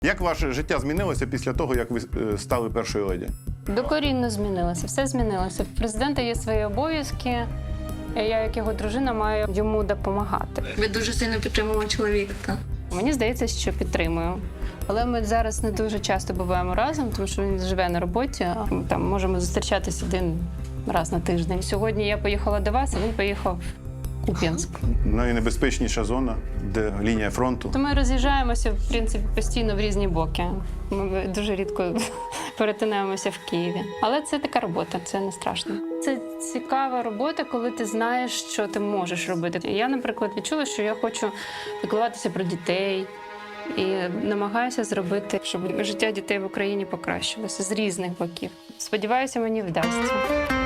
Як ваше життя змінилося після того, як ви стали першою леді? Докорінно змінилося, все змінилося. В президента є свої обов'язки. Я, як його дружина, маю йому допомагати. Ви дуже сильно підтримували чоловіка, так? Мені здається, що підтримую. Але ми зараз не дуже часто буваємо разом, тому що він живе на роботі. Там можемо зустрічатися один раз на тиждень. Сьогодні я поїхала до вас, а він поїхав в Куп'янськ. Найнебезпечніша зона, де лінія фронту. То ми роз'їжджаємося, в принципі, постійно в різні боки. Ми дуже рідко перетинаємося в Києві. Але це така робота, це не страшно. Це цікава робота, коли ти знаєш, що ти можеш робити. Я, наприклад, відчула, що я хочу піклуватися про дітей і намагаюся зробити, щоб життя дітей в Україні покращилося з різних боків. Сподіваюся, мені вдасться.